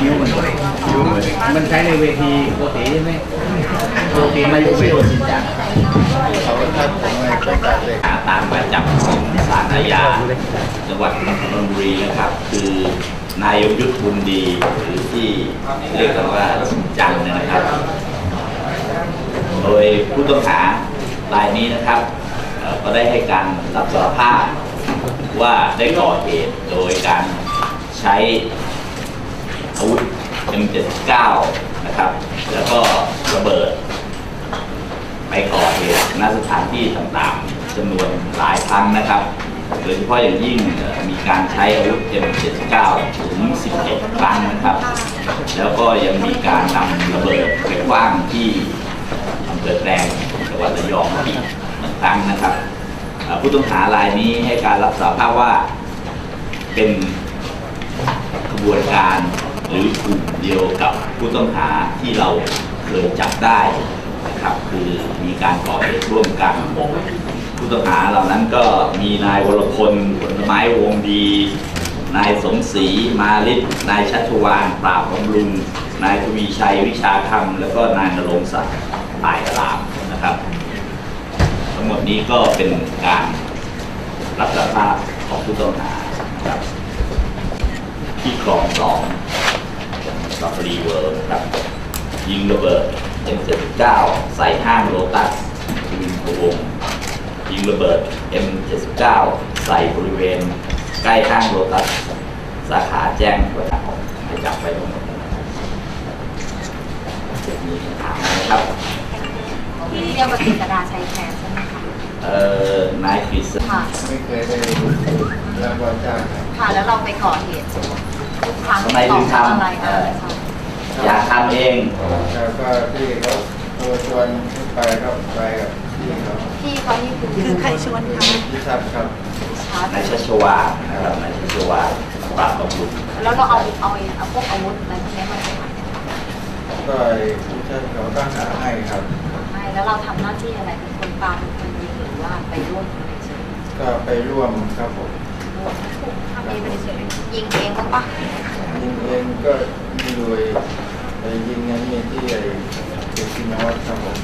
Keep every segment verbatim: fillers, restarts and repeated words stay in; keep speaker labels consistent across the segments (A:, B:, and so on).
A: คิ้วมันด้วยคิ้วมันใช้ในเวทีปกติใช่ไหมปกติไม่ใช่จริงจังเขาถ้าผมไม่ไปตัดเลยตามหมายจับของศาลอาญาจังหวัดนนทบุรีนะครับคือนายยงยุทธบุญดีหรือที่เรียกกันว่าจังนะครับโดยผู้ต้องหารายนี้นะครับก็ได้ให้การรับสารภาพว่าได้ก่อเหตุโดยการใช้อาวุธ เอ็ม เจ็ดสิบเก้า นะครับแล้วก็ระเบิดไปก่อเหตุณสถานที่ต่างๆจำนวนหลายครั้งนะครับโดยเฉพาะอย่างยิ่งมีการใช้อาวุธ เอ็ม เจ็ดสิบเก้า ถึง สิบเอ็ด ครั้งนะครับแล้วก็ยังมีการนำระเบิดไปขว้างที่อำเภอแกลงจังหวัดระยองอีกหนึ่งครั้งนะครับผู้ต้องหารายนี้ให้การรับสารภาพว่าเป็นขบวนการหรือกลุ่มเดียวกับผู้ต้องหาที่เราเคยจับได้นะครับคือมีการก่อเหตุร่วมกันผู้ต้องหาเหล่านั้นก็มีนายวรพลผลไม้วงดีนายสมศรีมาลิศนายชัชวาลปราบบำรุงนายทวีชัยวิชาคำแล้วก็นายนรงศักดิ์ตายรามนะครับทั้งหมดนี้ก็เป็นการรับสารภาพของผู้ต้องหานะครับที่คลองสองลาฟรีเวิร์ครับยิงระเบิด เอ็ม เจ็ดสิบเก้า ใส่ห้างโลตัสวินพวงยิงระเบิด เอ็ม เจ็ดสิบเก้า ใส่บริเวณใกล้ห้างโลตัสสาขาแจ้งวัฒนะให้จับไปทั้งหมดมีถามนะครับ
B: ที่เรียกว่าจิตรดาชัยแคร์ใช่ไหมคะ
A: เอ่อนายคริส
B: ค่ะ
C: ไม่เคยได้รับว่าจ้าง
B: ค่ะแล้วเราไปก่อเหตุทุกครั้ง
A: ทำไมถึงทำอยากทำเอง
C: แล้วก็ที่เขาตัวชวนไปก็ไปกับพี่เขา
B: พี่เขานี่คือ
D: คือใครชวนคะ
C: พี่ชัดครับ
A: นายชัชวาลนะครับนายชัชวาลปราบประมุข
B: แล้วเราเอาเอาเอาพวกอาวุธอะไรพวกนี้มาจากไหน
C: ก็พี่ชัดเขาก็หาให้ครับ
B: ให้แล้วเราทำหน้าที่อะไรเป็นคนปาเป็นคนยิงหรือว่าไปร่วมอะไรเฉย
C: ก็ไปร่วมครับผม
B: ทำเองไปเฉยยิงเองก็ปะ
C: ยิงเองก็มีโดยไปยิงนั้นมีที่ไอ้เด็กที่นวัดครับผม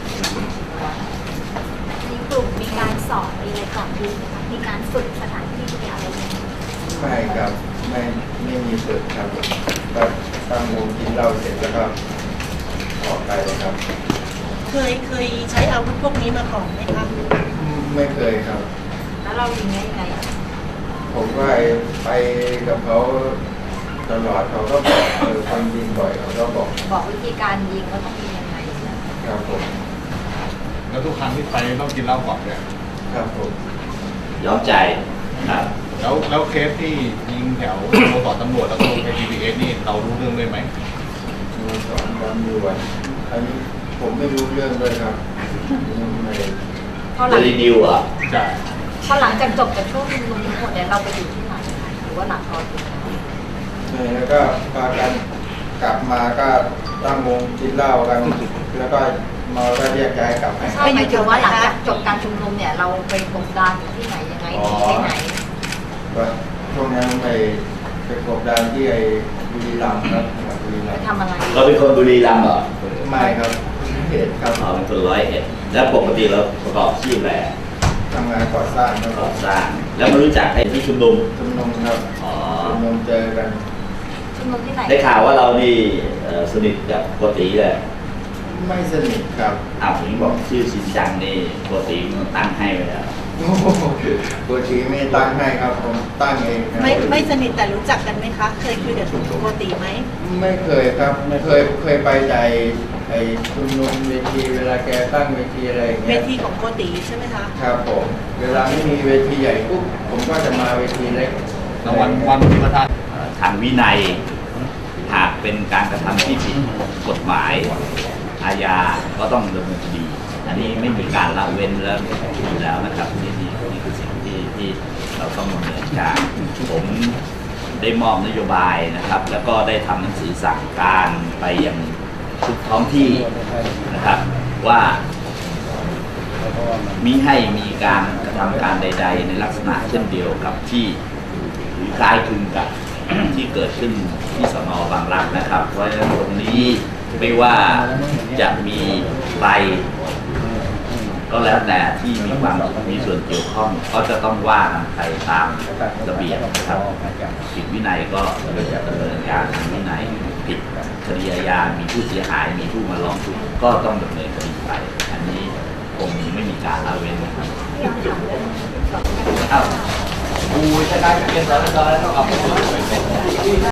B: มีกลุ่มมีการสอนมีอะไรก่อนยิงไหมคะมีการฝึกสถานที่มีอะไรไหม
C: ไม่ครับไม่ไม่มีฝึกครับก็ตั้งวงกินเหล้าเสร็จแล้วก็ออกไปเลยครับ
D: เคยเคยใช้อาวุธพวกนี้มาก่อนไหมคะ
C: ไม่เคยครับ
B: แล้วเรายิงได้ยังไง
C: ผมก็ไปกับเขาตลอดเขาก็บอกเออคนยิงบ่อยเขาก็บอก
B: บอกวิธีการยิงว่าต้องยิงยังไง
C: ครับผม
E: แล้วทุกครั้งที่ไปต้องกินเหล้าก่อนเนี่ย
C: ครับผม
A: ยอมใจครับ
E: แล้วแล้วเคสที่ยิงแถวโมต่อตำรวจแล้วก็ลงไป ที พี เอส นี่เรารู้เรื่องด้วยไหม
C: โมต่อตำรวจอันนี้ผมไม่รู้เรื่องเลยครับไม่
B: พอหลัง
A: รีวิวอ่ะ
E: ใช่
B: พอหลังจากจบจากช่วงชุมนุมทั้งหมดเนี่ยเราไปอยู่ที่ไหนหรือว่าหลังตอนนี้
C: ใช่แล้วก็พากันกลับมาก็ตั้งวงกินเหล้ากันแล้วก็มาก็แยกย้ายกลับไป
B: ใช่หมายถึงว่าหลังจากจบการชุมนุมเนี่ยเราไปกบดานอยู่ที่ไหนยังไงที่ไหน
C: ก็ช่วงนั้นไปไปกบดานที่ไอ้บุรีรัมย์ครับบุรีรัมย์
B: ทำอะไร
A: เราเป็นคนบุรีรัมย์เหรอ
C: ไม่ครับเหตุครับ
A: เราเป็นคนร้อยเอ็ดแล้วปกติเราประกอบอาชีพอะไร
C: ทำงานก่อสร้างครับ
A: ก่อสร้างแล้วมารู้จักใครที่ชุมนุม
C: ชุมนุมครับ
A: อ๋อ
C: ชุมนุมเจอกัน
B: ชุมนุมที่ไหน
A: ได้ข่าวว่าเรานี่สนิทกับโกติเลย
C: ไม่สนิทครับ
A: อ้าวผมบอกชื่อชินจังนี่โกติตั้งให้ไว้แล้ว
C: โกติไม่ตั้งให้ครับผมตั้งเอง
D: ไม่ไม่สนิทแต่รู้จักกันไหมคะเคยคุยกับโกติไหม
C: ไม่เคยครับไม่เคยเคยไปใจไอ้ชุมนุมเวทีเวลาแกตั้งเวทีอะไรอย่างเงี้ย
D: เวทีของโกติใช่ไหมคะ
C: ครับผมเวลาไม่มีเวทีใหญ่ปุ๊บผมก็จะมาเวทีเล็ก
E: แล้ววันวันที่ประธาน
A: ทางวินัยหากเป็นการกระทำที่ผิดกฎหมายอาญาก็ต้องดำเนินคดีอันนี้ไม่มีการละเว้นแล้วอยู่แล้วนะครับนี่นี่นี่คือสิ่งที่ที่เราต้องดำเนินการผมได้มอบนโยบายนะครับแล้วก็ได้ทำหนังสือสั่งการไปยังทุกท้องที่นะครับว่ามิให้มีการกระทำการใดๆในลักษณะเช่นเดียวกับที่หรือคล้ายคลึงกับที่เกิดขึ้นที่สน.บางรักนะครับ เพราะฉะนั้นตรงนี้ไม่ว่าจะมีใครก็แล้วแต่ที่มีความมีส่วนเกี่ยวข้องก็จะต้องว่ากันไปตามระเบียบนะครับผิดวินัยก็ดำเนินการทางวินัยผิดคดีอาญามีผู้เสียหายมีผู้มาร้องทุกข์ก็ต้องดำเนินคดีไป อันนี้คงไม่มีการละเว้นนะครับอ้าวกูชนะเกมแล้วตอนนั้นต้องเอาไป